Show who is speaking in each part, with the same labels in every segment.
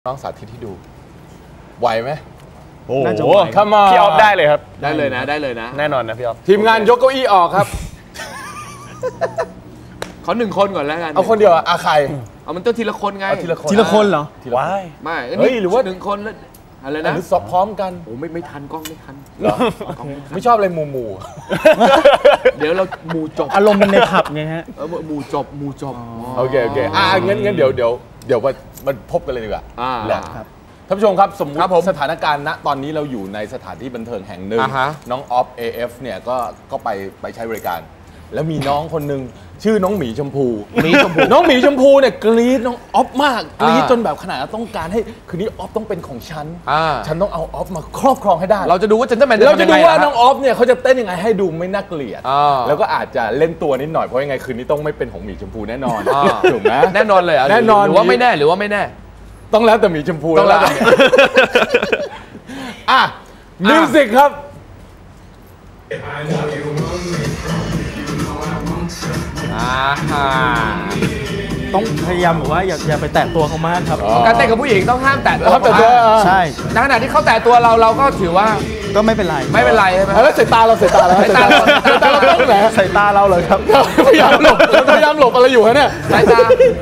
Speaker 1: น้องสาธิตที่ดูไหวไหม
Speaker 2: โอ้โห
Speaker 1: พี่
Speaker 2: ออฟได้เลยครับ
Speaker 3: ได้เลยนะได้เลยนะ
Speaker 2: แน่นอนนะพี่ออฟ
Speaker 1: ทีมงานยกเก้าอี้ออกครับ
Speaker 3: ขอ1 คนก่อนแล้วกัน
Speaker 1: เอาคนเดียวอะใคร
Speaker 3: เอามันต้องทีละคนไง
Speaker 1: ทีละ
Speaker 2: คนเหรอ
Speaker 1: ว้าย
Speaker 3: ไม่เฮ้ยหรือว่า1 คนแล้วอะไรนะ
Speaker 1: หรือสอบพร้อมกัน
Speaker 3: โอ้ไม่ทันกล้องไม่ทัน
Speaker 1: เหรอไม่ชอบอะไรหมู่
Speaker 3: เดี๋ยวเราหมู่จบ
Speaker 2: อารมณ์มันในผับไงฮะ
Speaker 3: หมู่จบ
Speaker 1: โอเคงั้นเดี๋ยวมาพบกันเลยดีกว่า
Speaker 2: ครับ
Speaker 1: ท่านผู้ชมครับสมมติสถานการณ์ณตอนนี้เราอยู่ในสถานที่บันเทิงแห่งหนึ่งน้องออฟ AF เนี่ยก็ไปใช้บริการแล้วมีน้องคนหนึ่งชื่อน้องหมีชมพูน้องหมีชมพูเนี่ยกรี๊ดน้องออฟมากกรี๊ดจนแบบขนาดต้องการให้คืนนี้ออฟต้องเป็นของฉันต้องเอาออฟมาครอบครองให้ได้
Speaker 3: เราจะดูว่าจะ
Speaker 1: เราจะดูว่าน้องออฟเนี่ยเขาจะเต้นยังไงให้ดูไม่น่าเกลียดแล้วก็อาจจะเล่นตัวนิดหน่อยเพราะยังไงคืนนี้ต้องไม่เป็นของหมีชมพูแน่นอนถูกไหม
Speaker 3: แน่นอนเลย
Speaker 1: แน่นอน
Speaker 3: หรือว่าไม่แน่
Speaker 1: ต้องแล้วแต่หมีชมพูแล้วมิวสิกครับ
Speaker 2: ต้องพยายามบอกว่าอย่าไปแตะตัวเขามากครับ
Speaker 3: การเต้นกับผู้หญิงต้องห้ามแตะตัว
Speaker 2: ใช่
Speaker 3: ในขณะที่เขาแตะตัวเราก็ถือว่า
Speaker 2: ก็ไม่เป็นไร
Speaker 3: ใช่ไหม
Speaker 1: แล้วสายตาเราต้องไหน
Speaker 2: สายตาเราเลยครับ
Speaker 1: พยายามหลบอะไรอยู่ฮะเนี่ย
Speaker 3: สายตา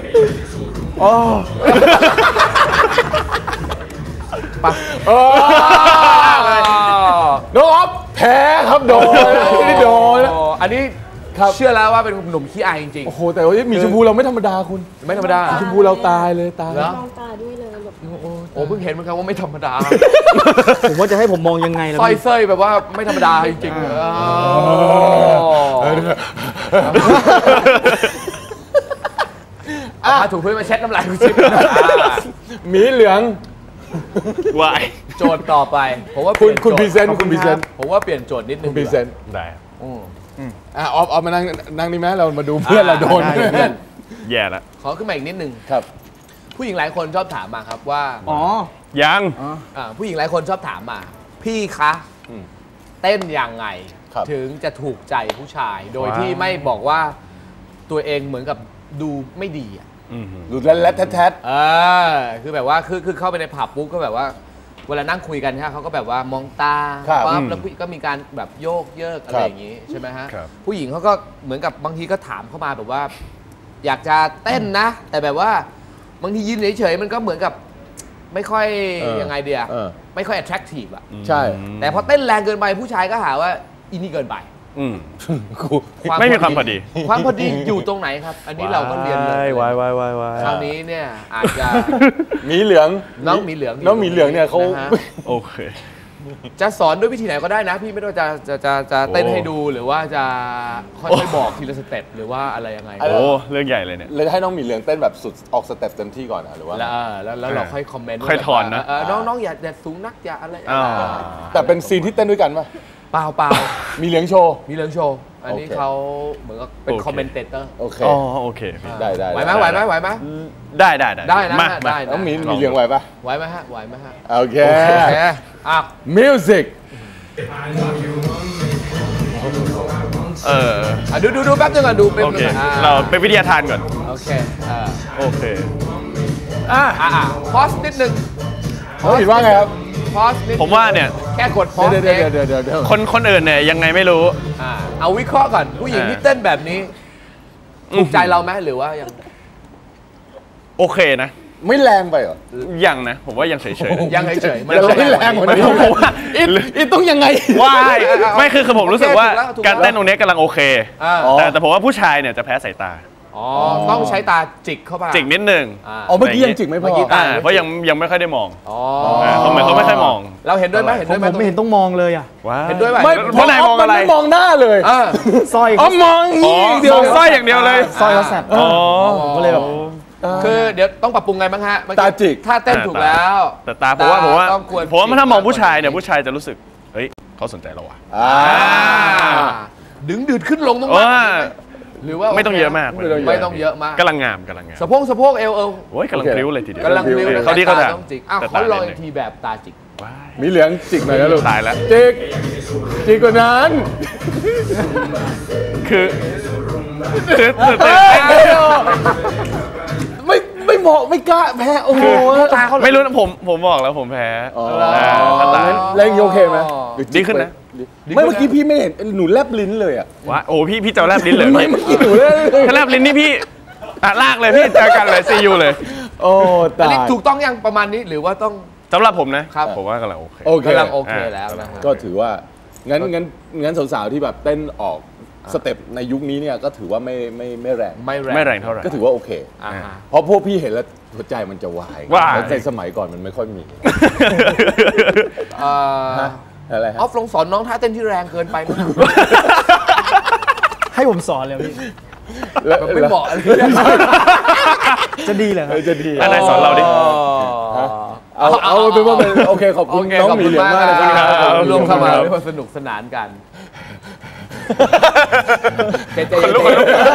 Speaker 1: น้องออฟแพ้ครับโดน
Speaker 3: อันนี้เชื่อแล้วว่าเป็นหนุ่มขี้อายจริงๆ
Speaker 1: โอ้โหแต่ว่ามีชมพูเราไม่ธรรมดาคุณ
Speaker 3: ไม่ธรรมดา
Speaker 1: มีชมพูเราตายเลยตาย
Speaker 4: มองตาด้วยเลยแบบ
Speaker 3: โอ้เพิ่งเห็นเหมือนกันว่าไม่ธรรมดา
Speaker 2: ผมว่าจะให้ผมมองยังไงล่ะ
Speaker 3: สร้อยเส้ยแบบว่าไม่ธรรมดาจริงๆถูกเพื่อนมาเช็ดน้ำลายคุณชิป
Speaker 1: หมีเหลือง
Speaker 3: วายโจทย์ต่อไปผมว่า
Speaker 1: คุณพรีเซนต์
Speaker 3: ผมว่าเปลี่ยนโจทย์นิดนึง
Speaker 1: คุณพรีเซนต์
Speaker 2: ได้
Speaker 1: ออฟมานั่งนี่ไหมเรามาดูเพื่อนเราโดนเพื่อน
Speaker 2: แย่ละ
Speaker 3: ขอขึ้นมาอีกนิดนึง
Speaker 1: ครับ
Speaker 3: ผู้หญิงหลายคนชอบถามมาครับว่า
Speaker 2: ยัง
Speaker 3: ผู้หญิงหลายคนชอบถามมาพี่คะเต้นยังไงถึงจะถูกใจผู้ชายโดยที่ไม่บอกว่าตัวเองเหมือนกับดูไม่ดีอ่ะ
Speaker 1: ดูแรดแท้
Speaker 3: คือแบบว่าคือเข้าไปในผับปุ๊บก็แบบว่าเวลานั่งคุยกันเขาก็แบบว่ามองตาปั๊บแล้วก็มีการแบบโยกเยิกอะไรอย่างนี้ใช่ไหมฮะผู้หญิงเขาก็เหมือนกับบางทีก็ถามเข้ามาแบบว่าอยากจะเต้นนะแต่แบบว่าบางทียืนเฉยๆมันก็เหมือนกับไม่ค่อยยังไงเดียไม่ค่อย attractive อ่ะ
Speaker 1: ใช่
Speaker 3: แต่พอเต้นแรงเกินไปผู้ชายก็หาว่าอินี่เกินไป
Speaker 2: ไม่มีความพอดี
Speaker 3: ความพอดีอยู่ตรงไหนครับอันนี้เราก็เรียนเลยว
Speaker 2: าย
Speaker 3: คราวนี้เนี่ยอาจจะ
Speaker 1: หมีเหลือง
Speaker 3: น้องหมีเหลือง
Speaker 1: เนี่ยเขา
Speaker 2: โอเค
Speaker 3: จะสอนด้วยวิธีไหนก็ได้นะพี่ไม่ต้องจะเต้นให้ดูหรือว่าจะค่อยๆบอกทีละสเต็ปหรือว่าอะไรยังไง
Speaker 2: โอ้เรื่องใหญ่เลยเนี่ย
Speaker 1: เลยให้น้องหมีเหลืองเต้นแบบสุดออกสเต็ปเต็มที่ก่อนนะหรือว่า
Speaker 3: แล้วเราค่อยคอมเมนต์
Speaker 2: ค่อยถอนนะ
Speaker 3: น้องอย่าสูงนักอย่าอะไร
Speaker 1: แต่เป็นซีนที่เต้นด้วยกันป่ะ
Speaker 3: เปล่า
Speaker 1: มีเหลืองโชว์
Speaker 3: อันนี้เขาเหมือนกับเป็นคอมเมนเตเตอร์
Speaker 1: โอเค
Speaker 2: โอเค
Speaker 1: ได้
Speaker 3: ไหวไหมได้
Speaker 1: น้องหมีเหลืองไหวปะ
Speaker 3: ไหวไหมฮะ
Speaker 1: โอเคมิวสิก
Speaker 3: ดูแป๊บนึงก่อนดูเป็น
Speaker 2: เราเป็นวิทยาทานก่อน
Speaker 3: โอเคพอสนิดนึง
Speaker 1: คิดว่าไงครับ
Speaker 2: ผมว่าเนี่ย
Speaker 3: แค่กดพอส
Speaker 1: เดี๋ยว
Speaker 2: คนอื่นเนี่ยยังไงไม่รู้
Speaker 3: เอาวิเคราะห์ก่อนผู้หญิงที่เต้นแบบนี้ถูกใจเราไหมหรือว่ายัง
Speaker 2: โอเคนะ
Speaker 1: ไม่แรงไปเหรอ
Speaker 2: ยังนะผมว่ายังเฉย
Speaker 3: ยังเฉย
Speaker 1: ไม่แรงเหมือนกันผมว่าอีต้องยังไง
Speaker 2: ไม่คือผมรู้สึกว่าการเต้นตรงนี้กำลังโอเคแต่ผมว่าผู้ชายเนี่ยจะแพ้สายตา
Speaker 3: ต้องใช้ตาจิกเข้าไป
Speaker 2: จิกนิดนึง
Speaker 1: เมื่อกี้ยังจิกไม่พอ
Speaker 2: เพราะยังไม่ค่อยได้มองเขาเหมือนเขาไม่ค่อยมอง
Speaker 3: เราเห็นด้วยไหม
Speaker 2: ผมไม่เห็นต้องมองเลยอ่ะ
Speaker 3: เห็นด้วยไหม
Speaker 1: เพราะนายมองอะไรไม่มองหน้าเลย
Speaker 2: สร้อย
Speaker 1: มอง
Speaker 2: เดียวสร้อยอย่างเดียวเลย
Speaker 1: สร้อยเขาแสบ
Speaker 2: ก็เลยแบบ
Speaker 3: คือเดี๋ยวต้องปรับปรุงไงบ้างฮะ
Speaker 1: ตาจิก
Speaker 3: ถ้าเต้นถูกแล้ว
Speaker 2: แต่ตาผมว่าถ้ามองผู้ชายเนี่ยผู้ชายจะรู้สึกเฮ้ยเขาสนใจเราอ่ะ
Speaker 3: ดึงดืดขึ้นลงตรงนั้นหรือว่า
Speaker 2: ไม่ต้องเยอะมาก
Speaker 3: ไม่ต้องเยอะมาก
Speaker 2: กำลังงามสะ
Speaker 3: โพกเอว
Speaker 2: โอ้ยกำลังพลิ้วเลยทีเดียว
Speaker 3: กำลังพลิ้ว
Speaker 2: เขาดีเขาด่า
Speaker 3: ต้องจิกเขาลอยทีแบบตาจิก
Speaker 1: มีเหลืองจิกหน่อยนะลูก
Speaker 2: ตายแล้ว
Speaker 1: จิกกว่านั้น
Speaker 2: คือ
Speaker 1: ไม่บอกไม่กล้าแพ้โอ้โห
Speaker 2: ไม่รู้นะผมบอกแล้วผมแพ้
Speaker 1: แล้วโอเคไหม
Speaker 2: ดีขึ้นนะ
Speaker 1: ไม่เมื่อกี้พี่ไม่เห็นหนูแลบลิ้นเลยอะ
Speaker 2: ว่าโอ้พี่จะแลบลิ้นเลย
Speaker 1: ไม่เมื่อกี้หนูแลบ
Speaker 2: ถ้าแลบลิ้นนี่พี่ลากเลยพี่เจอกันเลยซียูเลย
Speaker 1: โอ้ตาย
Speaker 3: ถูกต้องยังประมาณนี้หรือว่าต้อง
Speaker 2: สำหรับผมนะครับผมว่ากำลังโอเค
Speaker 3: กำลังโอเคแล้วนะ
Speaker 1: ก็ถือว่างั้นสาวๆที่แบบเต้นออกสเต็ปในยุคนี้เนี่ยก็ถือว่าไม่แรง
Speaker 2: เท่าไหร่
Speaker 1: ก็ถือว่าโอเคเพราะพวกพี่เห็นแล้วหัวใจมันจะวายในสมัยก่อนมันไม่ค่อยมี
Speaker 3: อะไรออฟลงสอนน้องท่าเต้นที่แรงเกินไปมั้ย
Speaker 4: ให้ผมสอนเลยพี่
Speaker 3: ไม่บอก
Speaker 4: จะดีเหรอครับ
Speaker 2: จะดีอะไรสอนเราดิ
Speaker 1: เอาเป็นว่าโอเคขอบคุณน้องหมีเหลืองมากนะครับ
Speaker 3: ร่วมเข้ามาด้วยสนุกสนานกัน
Speaker 1: คนลุก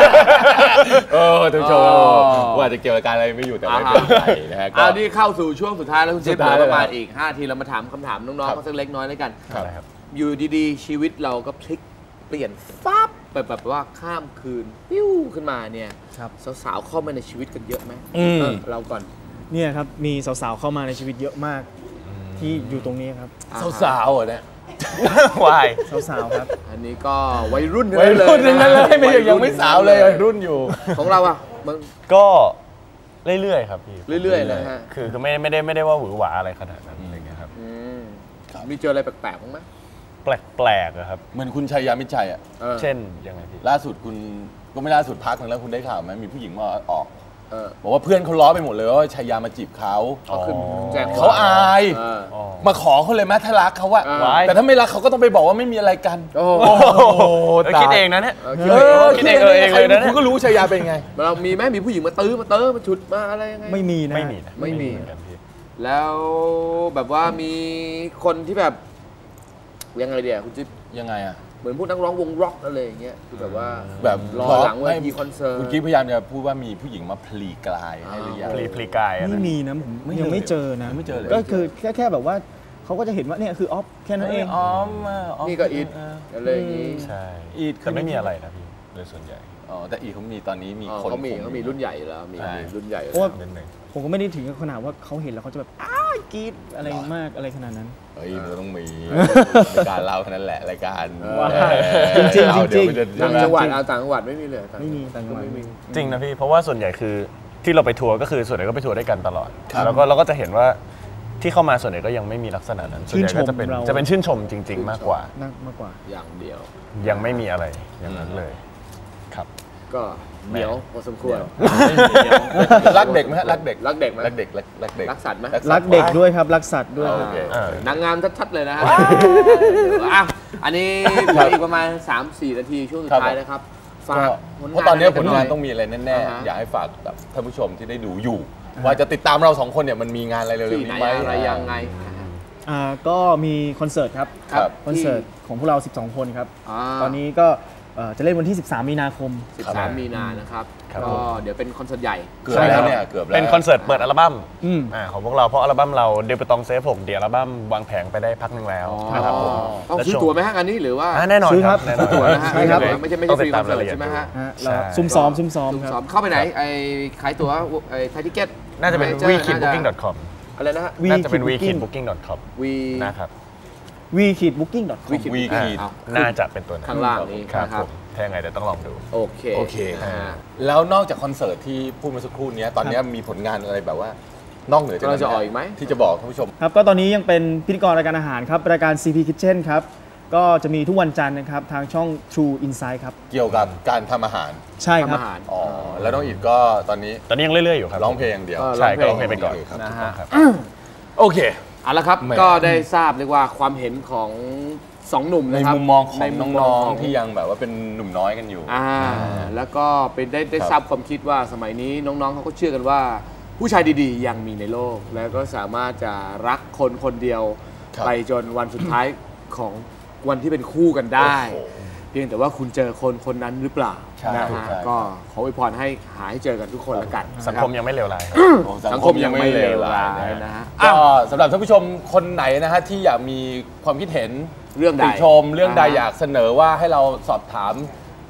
Speaker 1: ท่านผู้ชมว่าจะเกี่ยวกับการอะไรไม่อยู่แต่ไม่เป็นไรนะฮะ
Speaker 3: นี่เข้าสู่ช่วงสุดท้ายแล้วคุณจิ๊บประมาณอีก5 ทีเรามาถามคำถามน้องๆเขาสักเล็กน้อยแล้วกันอยู่ดีๆชีวิตเราก็พลิกเปลี่ยนฟับไปแบบว่าข้ามคืนปิ้วขึ้นมาเนี่ยสาวๆเข้ามาในชีวิตกันเยอะไหมเราก่อน
Speaker 4: เนี่ยครับมีสาวๆเข้ามาในชีวิตเยอะมากที่อยู่ตรงนี้ครับ
Speaker 1: สาวๆเหรอเนี่
Speaker 2: ยวาย
Speaker 4: สาวๆครับ
Speaker 3: อันนี้ก็วัยรุ่น
Speaker 1: นั่นเลยไม่ยังไม่สาวเลยวัยรุ่นอยู่
Speaker 3: ของเราอ่ะ
Speaker 2: ก็เรื่อยๆครับพี่
Speaker 3: เรื่อยๆนะฮะ
Speaker 2: คือไม่ได้ว่าหวือหวาอะไรขนาดนั้นอะไรเงี้ยครับ
Speaker 3: มีเจออะไรแปลกๆบ้างไหม
Speaker 2: แปลกครับ
Speaker 1: เหมือนคุณชัยยามิตรชัยอ่ะ
Speaker 2: เช่นยังไงพี่
Speaker 1: ล่าสุดคุณก็ไม่ล่าสุดพักนึงแล้วคุณได้ข่าวไหมมีผู้หญิงมาออกบอกว่าเพื่อนเขาล้อไปหมดเลยว่าชัยยามาจีบเขาเขาอายมาขอเขาเลยแม้ถ้ารักเขาอะแต่ถ้าไม่รักเขาก็ต้องไปบอกว่าไม่มีอะไรกัน
Speaker 2: โอ้คิดเองนะเนี่ย
Speaker 1: คิดเองเลยนะคุณก็รู้ชัยยาเป็นไง
Speaker 3: เรามีไหมมีผู้หญิงมาตื้อมาฉุดมาอะไรยังไง
Speaker 4: ไม่มีนะ
Speaker 3: ไม่มีแล้วแบบว่ามีคนที่แบบยังไงเดียวคุณจิ๊บ
Speaker 1: ยังไงอะ
Speaker 3: เหมือนพวกนักร้องวงร็อกอะไรอย่างเงี้ยคือแบบว่า
Speaker 1: แบบ
Speaker 3: รอหลังเวทีคอนเสิร์ต
Speaker 1: คุณกิ๊บพยายามจะพูดว่ามีผู้หญิงมาพลีกายให้หรือยัง
Speaker 2: พลีกาย
Speaker 4: ไม่มีนะผมยังไม่เจอนะ
Speaker 1: ไม่เจอเลย
Speaker 4: ก็คือแค่แบบว่าเขาก็จะเห็นว่าเนี่ยคือออฟแค่นั้นเอง
Speaker 3: นี่ก็อีทอะไรอย่างงี้
Speaker 2: ใช่อีทแต่ไม่มีอะไรนะพี่โดยส่วนใหญ่
Speaker 1: แต่อีทเขามีตอนนี้มีคน
Speaker 3: เขามีรุ่นใหญ่แล้วมีรุ่นใหญ่
Speaker 4: เพราะว่าผมก็ไม่ได้ถึงขนาดว่าเขาเห็นแล้วเขาจะแบบกรี๊ดอะไรมากอะไรขนาดนั้น
Speaker 1: เฮ้ยมันต้องมีรายการเราแค่นั้นแหละรายการ
Speaker 4: จริง
Speaker 3: ต่างจังหวัดต่างจังหวัดไม่มีเลย
Speaker 4: ไม่มีต่างจังหวัด
Speaker 2: จริงนะพี่เพราะว่าส่วนใหญ่คือที่เราไปทัวร์ก็คือส่วนใหญ่ก็ไปทัวร์ด้วยกันตลอดแล้วก็เราก็จะเห็นว่าที่เข้ามาส่วนใหญ่ก็ยังไม่มีลักษณะนั้นส่วนใหญ่ก็จะเป็นชื่นชมจริงๆมากกว่า
Speaker 3: อย่างเดียว
Speaker 2: ยังไม่มีอะไรอย่างนั้นเลยครับ
Speaker 3: ก็เหนียวพอสมควร
Speaker 1: รักเด็กไหมฮะรักเด็ก
Speaker 3: ไหม
Speaker 1: รักเด็ก
Speaker 3: รักสัตว์ไหม
Speaker 4: รักเด็กด้วยครับรักสัตว์ด้วย
Speaker 3: นางงามชัดๆเลยนะฮะอันนี้อีกประมาณ 3-4 นาทีช่วงสุดท้ายนะครับ
Speaker 1: ฝากเพราะตอนนี้ผลงานต้องมีอะไรแน่ๆอยากให้ฝากกับท่านผู้ชมที่ได้ดูอยู่ว่าจะติดตามเรา2คนเนี่ยมันมีงานอะไรเร็วๆนี้ไหม
Speaker 3: อะไรยังไง
Speaker 4: ก็มีคอนเสิร์ตครับคอนเสิร์ตของพวกเรา12คนครับตอนนี้ก็จะเล่นวันที่13 มีนาคม
Speaker 3: 13 มีนานะครับก็เดี๋ยวเป็นคอนเสิร์ตใหญ่
Speaker 1: ใช่ครับเนี่ยเกือบแล้ว
Speaker 2: เป็นคอนเสิร์ตเปิดอัลบั้มของพวกเราเพราะอัลบั้มเราเดบิวตองเซฟ6เดี๋ยวอัลบั้มวางแผงไปได้พักนึงแล้วนะครับผม
Speaker 3: ต้องซื้อตั๋วไหมฮะอันนี้หรือว่า
Speaker 2: แน่นอนครับ
Speaker 4: ซื้อ
Speaker 3: ตั๋วนะฮะไม่ใช่ฟรีคอนเสิร์ตใช่ไหมฮะ
Speaker 4: ซุ่มซ้อม
Speaker 3: ครับเข้าไปไหนไอ้ขายตั๋วไอ้ไทยทิเก็ต
Speaker 2: น่าจะเป็น wekidbooking.com
Speaker 3: อะไรนะฮะ
Speaker 2: น่าจะเป็น wekidbooking.com นะครับ
Speaker 4: wekidbooking.com
Speaker 2: น่าจะเป็นตัว
Speaker 3: ข้างล่างนี้
Speaker 2: ครับถ้ายังไงเดี๋ยวต้องลองดู
Speaker 3: โอเค
Speaker 1: แล้วนอกจากคอนเสิร์ตที่พูดเมื่อสักครู่นี้ตอนนี้มีผลงานอะไรแบบว่านอกเหนือจาก
Speaker 3: นั้นจะออกอีกไหม
Speaker 1: ที่จะบอกท่านผู้ชม
Speaker 4: ครับก็ตอนนี้ยังเป็นพิธีกรรายการอาหารครับรายการ CP Kitchen ครับก็จะมีทุกวันจันทร์นะครับทางช่อง True Insight ครับ
Speaker 1: เกี่ยวกับการทำอาหาร
Speaker 4: ใช่ครับ
Speaker 1: แล้วน้องอิฐก็ตอนนี้
Speaker 2: ยังเรื่อยๆอยู่ครับ
Speaker 1: ร้องเพลงอย่างเดียว
Speaker 2: ใช่ก็ร้องเพลงไปก่อน
Speaker 3: นะฮะ
Speaker 1: โอเค
Speaker 3: เอาละครับก็ได้ทราบเรียกว่าความเห็นของ2 หนุ่มนะครับ
Speaker 1: ในมุมมองของน้องๆที่ยังแบบว่าเป็นหนุ่มน้อยกันอยู่
Speaker 3: แล้วก็เป็นได้ทราบความคิดว่าสมัยนี้น้องๆเขาก็เชื่อกันว่าผู้ชายดีๆยังมีในโลกแล้วก็สามารถจะรักคนคนเดียวไปจนวันสุดท้ายของวันที่เป็นคู่กันได้เพียงแต่ว่าคุณเจอคนนั้นหรือเปล่านะฮะก็ขออวยพรให้หาให้เจอกันทุกคนแล้วกัน
Speaker 2: สังคมยังไม่เลวร้าย
Speaker 3: สังคมยังไม่เลวร้ายนะฮะ
Speaker 1: ก็สำหรับท่านผู้ชมคนไหนนะฮะที่อยากมีความคิดเห็น
Speaker 3: เรื่องใด
Speaker 1: ติชมเรื่องใดอยากเสนอว่าให้เราสอบถาม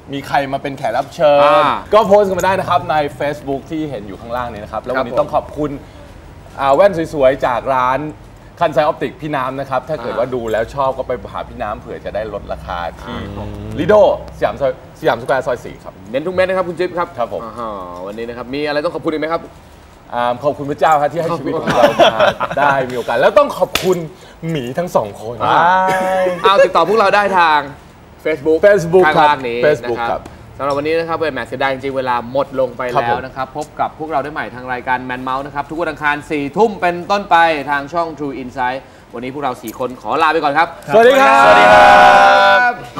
Speaker 1: มีใครมาเป็นแขกรับเชิญก็โพสต์กันมาได้นะครับใน Facebook ที่เห็นอยู่ข้างล่างนี้นะครับแล้ววันนี้ต้องขอบคุณแว่นสวยๆจากร้านคันไซออปติกพี่น้ำนะครับถ้าเกิดว่าดูแล้วชอบก็ไปหาพี่น้ำเผื่อจะได้ลดราคาที่ลิโดสยามสแควร์ซอย 4ครับ
Speaker 3: เน้นทุกเม็ดนะครับคุณจิ๊บครับ
Speaker 1: ครับผม
Speaker 3: วันนี้นะครับมีอะไรต้องขอบคุณอีกไหมครับ
Speaker 1: ขอบคุณพระเจ้าครับที่ให้ชีวิตของเรามาได้มีโอกาสแล้วต้องขอบคุณหมีทั้ง2 คน
Speaker 3: เอาติดต่อพวกเราได้ทาง Facebook ข้างล่างนี้นะครับสำหรับวันนี้นะครับเป็นแมตช์เสียดายจริงๆเวลาหมดลงไปแล้วนะครับพบกับพวกเราได้ใหม่ทางรายการแมนเมาส์นะครับทุกวันอังคาร 4 ทุ่มเป็นต้นไปทางช่อง True Insight วันนี้พวกเรา4 คนขอลาไปก่อนครับ
Speaker 1: สวัสดีครับ